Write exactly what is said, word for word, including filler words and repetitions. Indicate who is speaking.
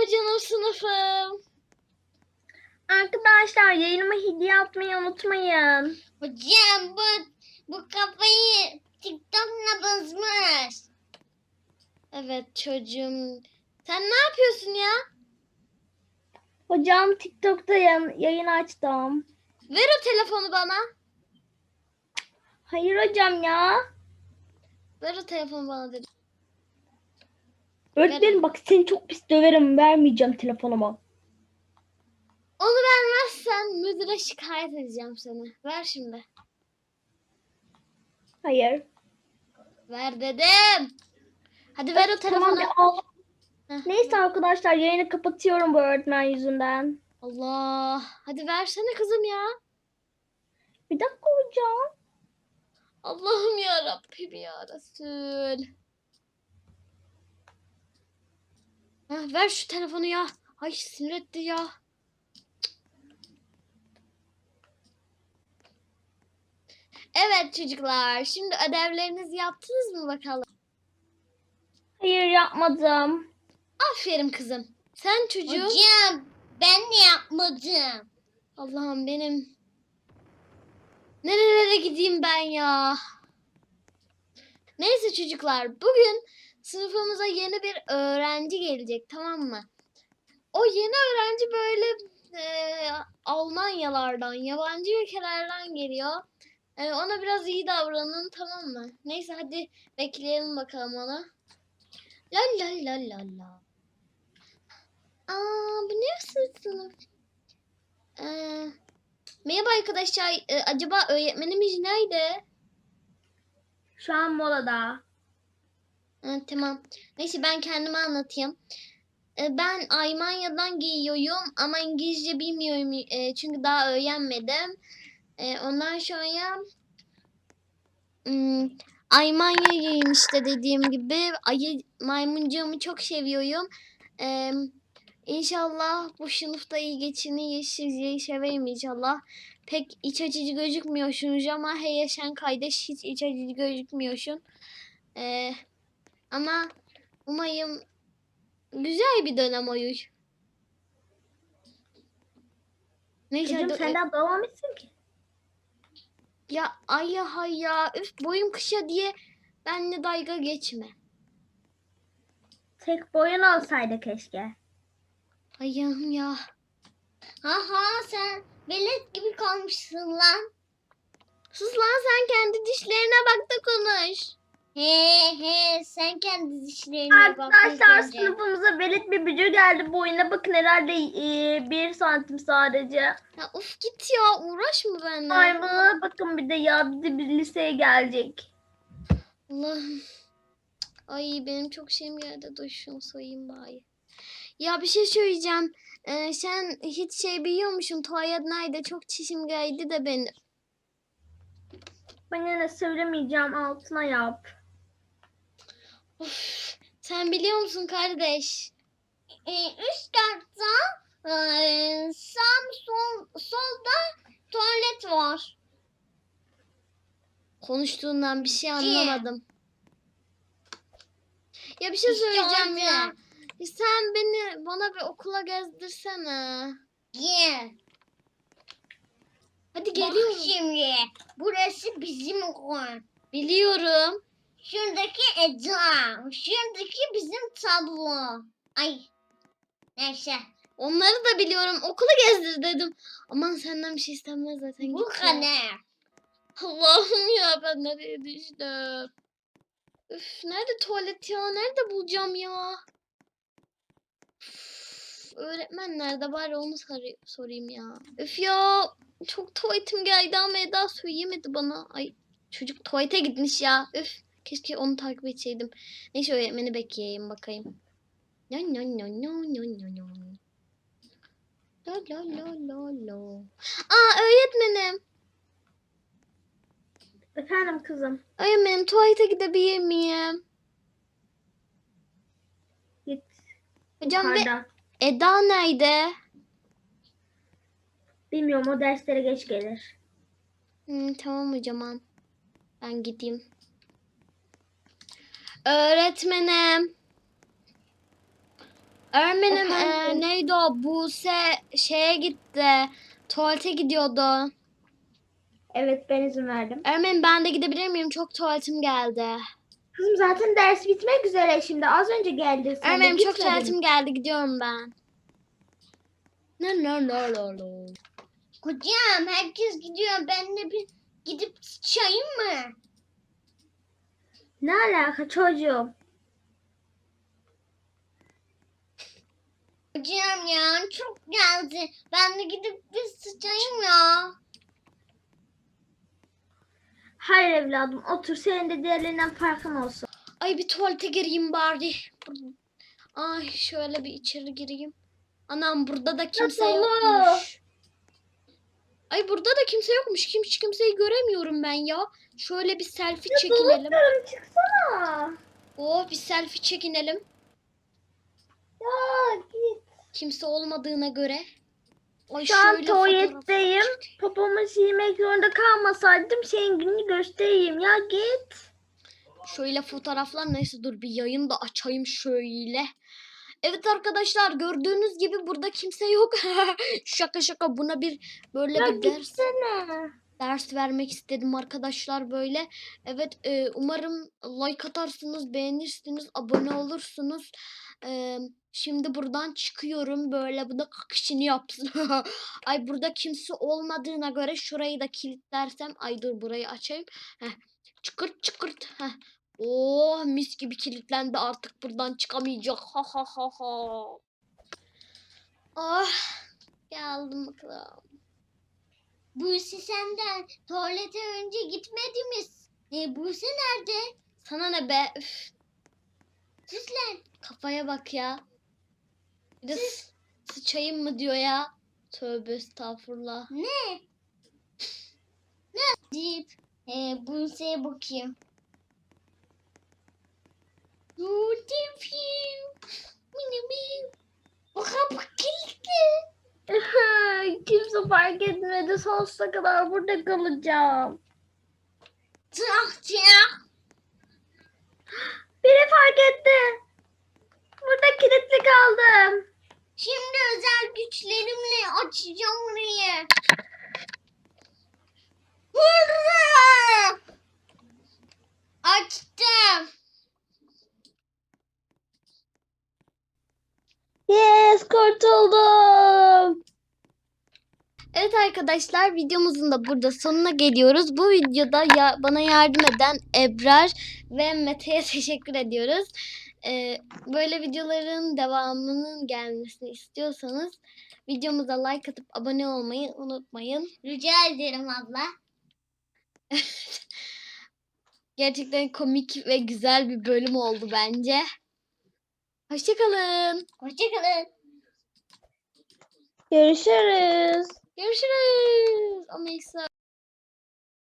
Speaker 1: Merhaba canım sınıfım.
Speaker 2: Arkadaşlar yayınıma hediye atmayı unutmayın.
Speaker 3: Hocam bu bu kafayı TikTok'la bozmuş.
Speaker 1: Evet çocuğum. Sen ne yapıyorsun ya?
Speaker 2: Hocam TikTok'ta yayın, yayın açtım.
Speaker 1: Ver o telefonu bana.
Speaker 2: Hayır hocam ya.
Speaker 1: Ver o telefonu bana dedim.
Speaker 2: Öğretmenim bak seni çok pis döverim. Vermeyeceğim telefonumu.
Speaker 1: Onu vermezsen müdüre şikayet edeceğim seni. Ver şimdi.
Speaker 2: Hayır.
Speaker 1: Ver dedim. Hadi ver o telefonu.
Speaker 2: Tamam ya, al.
Speaker 1: Heh.
Speaker 2: Neyse arkadaşlar yayını kapatıyorum bu öğretmen yüzünden.
Speaker 1: Allah. Hadi versene kızım ya.
Speaker 2: Bir dakika hocam.
Speaker 1: Allah'ım ya Rabbim ya Resul. Heh, ver şu telefonu ya. Ay sinir etti ya. Evet çocuklar. Şimdi ödevlerinizi yaptınız mı bakalım?
Speaker 2: Hayır yapmadım.
Speaker 1: Aferin kızım. Sen çocuğum.
Speaker 3: Hocam ben de yapmadım.
Speaker 1: Allah'ım benim. Nerelere gideyim ben ya? Neyse çocuklar. Bugün sınıfımıza yeni bir öğrenci gelecek, tamam mı? O yeni öğrenci böyle e, Almanyalardan, yabancı ülkelerden geliyor. E, ona biraz iyi davranın, tamam mı? Neyse hadi bekleyelim bakalım onu. La la la la la. Aa, bu ne sınıf? Ee, merhaba arkadaşlar. Ee, acaba öğretmenimiz nerede?
Speaker 2: Şu an molada.
Speaker 1: Ha, tamam. Neyse ben kendime anlatayım. Ee, ben Almanya'dan geliyorum ama İngilizce bilmiyorum. Ee, çünkü daha öğrenmedim. Ee, ondan sonra hmm, Almanya'yım işte dediğim gibi. Ayı maymuncuğumu çok seviyorum. Ee, İnşallah bu sınıfta iyi geçinir, sizi severim inşallah. Pek iç açıcı gözükmüyorsunuz ama hey yaşayan kardeş hiç iç açıcı gözükmüyorsun. Ee, ama umarım güzel bir dönem olur. Neyse
Speaker 2: Çocuğum
Speaker 1: hadi.
Speaker 2: sen daha doğmamışsın ki.
Speaker 1: Ya ay ya hay ya. Üf boyum kısa diye benimle dalga geçme.
Speaker 2: Tek boyun olsaydı keşke.
Speaker 1: Ayağım ya.
Speaker 3: Haha sen velet gibi kalmışsın lan.
Speaker 1: Sus lan sen kendi dişlerine bak da konuş.
Speaker 3: He he sen kendi dişlerine bak.
Speaker 2: Arkadaşlar
Speaker 3: önce.
Speaker 2: sınıfımıza velet bir bücür geldi. Boyuna bakın herhalde e, bir santim sadece.
Speaker 1: Ya of git ya uğraşma benimle.
Speaker 2: Ay bana bakın bir de ya bir de bir liseye gelecek.
Speaker 1: Allah'ım. Ay benim çok şeyim geldi. Dur şunu soyayım bari. Ya bir şey söyleyeceğim. Ee, sen hiç şey biliyor musun? Tuvalet nerede? Çok çişim geldi de benim.
Speaker 2: Ben yine söylemeyeceğim altına yap.
Speaker 1: Of, sen biliyor musun kardeş?
Speaker 3: Ee, üst katta e, sağ sol solda tuvalet var.
Speaker 1: Konuştuğundan bir şey anlamadım. Ya bir şey
Speaker 3: İşte
Speaker 1: söyleyeceğim
Speaker 3: orada.
Speaker 1: ya. Sen beni bana bir okula gezdirsene.
Speaker 3: Gel.
Speaker 1: Hadi
Speaker 3: Bak
Speaker 1: geliyorum.
Speaker 3: şimdi. Burası bizim okul.
Speaker 1: Biliyorum.
Speaker 3: Şuradaki Eda. Şuradaki bizim tablo. Ay. Neyse.
Speaker 1: Onları da biliyorum. Okulu gezdir dedim. Aman senden bir şey istenmez zaten.
Speaker 3: Bu
Speaker 1: Git ya.
Speaker 3: kadar.
Speaker 1: Allah'ım ya ben nereye düştüm. Üf, nerede tuvalet ya? Nerede bulacağım ya? Üf, öğretmen nerede? Bari onu sor- sorayım ya. Üf ya. Çok tuvaletim geldi ama Eda söyleyemedi bana. Ay çocuk tuvalete gitmiş ya. Üf. Keşke onu takip etseydim. Neyse öğretmeni bekleyeyim bakayım. No no no no no no no. La la la la la. Aa öğretmenim.
Speaker 2: Efendim kızım.
Speaker 1: Öğretmenim tuvalete gidebilir miyim?
Speaker 2: Git.
Speaker 1: Hocam ve
Speaker 2: Yukarıda.
Speaker 1: Eda nerede?
Speaker 2: Bilmiyorum o derslere geç gelir.
Speaker 1: Hmm, tamam hocam. Ben gideyim. Öğretmenim. Öğretmenim e,
Speaker 2: Efendim?
Speaker 1: neydi o? Buse şeye gitti. Tuvalete gidiyordu.
Speaker 2: Evet, ben izin verdim.
Speaker 1: Öğretmenim ben de gidebilir miyim? Çok tuvaletim geldi.
Speaker 2: Kızım zaten ders bitmek üzere şimdi. Az önce geldin sen de
Speaker 1: Öğretmenim çok
Speaker 2: gitmedin.
Speaker 1: tuvaletim geldi. Gidiyorum ben. No no no no no.
Speaker 3: Hocam herkes gidiyor. Ben de bir gidip sıçayım mı?
Speaker 2: Ne alaka çocuğum?
Speaker 3: Hocam ya çok geldi. Ben de gidip bir sıçayım ya.
Speaker 2: Hayır evladım, otur, senin de diğerlerinden farkın olsun.
Speaker 1: Ay bir tuvalete gireyim bari. Ay şöyle bir içeri gireyim. Anam burada da kimse
Speaker 2: dolu.
Speaker 1: yokmuş. Ay burada da kimse yokmuş. Kim hiç kimseyi göremiyorum ben ya. Şöyle bir selfie çekinelim.
Speaker 2: Dolaplarım çıksana.
Speaker 1: Oh bir selfie çekinelim.
Speaker 2: Ya git.
Speaker 1: Kimse olmadığına göre. Ay
Speaker 2: Şu an
Speaker 1: şöyle
Speaker 2: tuvaletteyim.
Speaker 1: fotoğraf-
Speaker 2: Popomu silmek zorunda kalmasaydım senin gününü göstereyim. Ya git.
Speaker 1: Şöyle fotoğraflar neyse dur bir yayın da açayım şöyle. Evet arkadaşlar gördüğünüz gibi burada kimse yok. Şaka şaka buna bir böyle
Speaker 2: Ya
Speaker 1: bir ders
Speaker 2: gitsene.
Speaker 1: ders vermek istedim arkadaşlar böyle. Evet e, umarım like atarsınız, beğenirsiniz, abone olursunuz. E, şimdi buradan çıkıyorum böyle bu da kakışını yapsın. Ay burada kimse olmadığına göre şurayı da kilitlersem. Ay dur burayı açayım. Heh. Çıkırt çıkırt. Heh. Oh mis gibi kilitlendi artık buradan çıkamayacak. Ha ha ha ha. Ah geldim bakalım.
Speaker 3: Buse senden tuvalete önce gitmedi mi? E, Buse nerede?
Speaker 1: Sana ne be? Üf,
Speaker 3: Sus lan.
Speaker 1: kafaya bak ya. Bir de sı- sıçayım mı diyor ya. Tövbe estağfurullah.
Speaker 3: Ne? Ne? Deyip e, Buse'ye bakayım. Dur yapayım. Bu kapı kilitli.
Speaker 2: Kimse fark etmedi. Sonsuza kadar burada kalacağım.
Speaker 3: Trakçıya.
Speaker 2: Biri fark etti. Burada kilitli kaldım.
Speaker 3: Şimdi özel güçlerimle açacağım orayı. Hurra! Açtım.
Speaker 2: Yes, kurtuldum.
Speaker 1: Evet arkadaşlar videomuzun da burada sonuna geliyoruz. Bu videoda ya, bana yardım eden Ebrar ve Mete'ye teşekkür ediyoruz. Ee, böyle videoların devamının gelmesini istiyorsanız videomuza like atıp abone olmayı unutmayın.
Speaker 3: Rica ederim abla.
Speaker 1: Gerçekten komik ve güzel bir bölüm oldu bence. Hoşçakalın.
Speaker 3: Hoşçakalın.
Speaker 2: Görüşürüz.
Speaker 1: Görüşürüz. Ameysa.